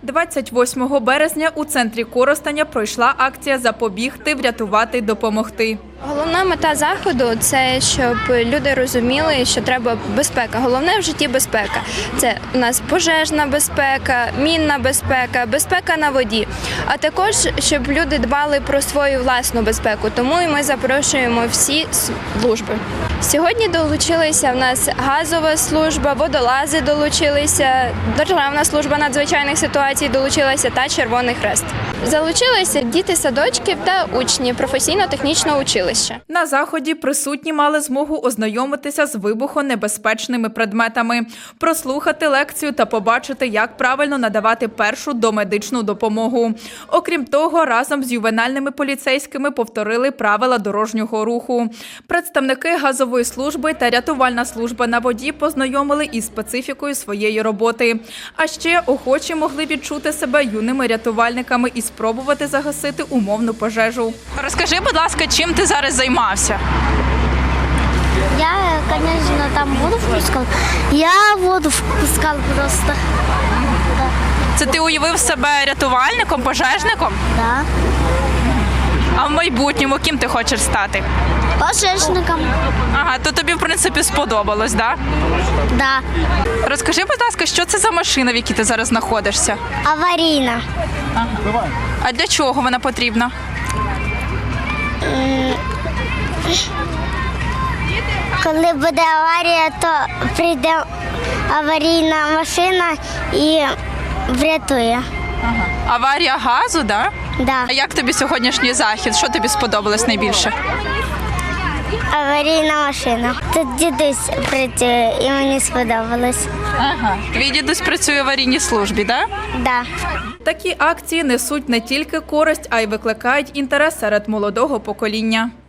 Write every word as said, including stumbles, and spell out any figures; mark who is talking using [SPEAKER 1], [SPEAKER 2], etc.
[SPEAKER 1] двадцять восьмого березня у центрі Коростеня пройшла акція «Запобігти, врятувати, допомогти».
[SPEAKER 2] Головна мета заходу – це щоб люди розуміли, що треба безпека. Головне в житті – безпека. Це у нас пожежна безпека, мінна безпека, безпека на воді. А також, щоб люди дбали про свою власну безпеку. Тому і ми запрошуємо всі служби. Сьогодні долучилися в нас газова служба, водолази долучилися, Державна служба надзвичайних ситуацій долучилася та Червоний Хрест. Залучилися діти садочків та учні професійно-технічного училища.
[SPEAKER 1] На заході присутні мали змогу ознайомитися з вибухонебезпечними предметами, прослухати лекцію та побачити, як правильно надавати першу домедичну допомогу. Окрім того, разом з ювенальними поліцейськими повторили правила дорожнього руху. Представники газової служби та рятувальна служба на воді познайомили із специфікою своєї роботи. А ще охочі могли відчути себе юними рятувальниками і спробувати загасити умовну пожежу. Розкажи, будь ласка, чим ти зараз займався?
[SPEAKER 3] Я, конечно, там воду впускал. Я воду впускал просто. Да.
[SPEAKER 1] Це ти уявив себе рятувальником, пожежником?
[SPEAKER 3] Да.
[SPEAKER 1] А в майбутньому ким ти хочеш стати?
[SPEAKER 3] Пожежником.
[SPEAKER 1] Ага, то тобі, в принципі, сподобалось, так?
[SPEAKER 3] Да.
[SPEAKER 1] Розкажи, будь ласка, що це за машина, в якій ти зараз знаходишся?
[SPEAKER 3] Аварійна.
[SPEAKER 1] А для чого вона потрібна?
[SPEAKER 3] Коли буде аварія, то прийде аварійна машина і врятує.
[SPEAKER 1] Аварія газу, так? Да?
[SPEAKER 3] Да.
[SPEAKER 1] А як тобі сьогоднішній захід? Що тобі сподобалось найбільше?
[SPEAKER 3] Аварійна машина. Тут дідусь працює і мені сподобалось.
[SPEAKER 1] Ага. Твій дідусь працює в аварійній службі, так?
[SPEAKER 3] Да.
[SPEAKER 1] Такі акції несуть не тільки користь, а й викликають інтерес серед молодого покоління.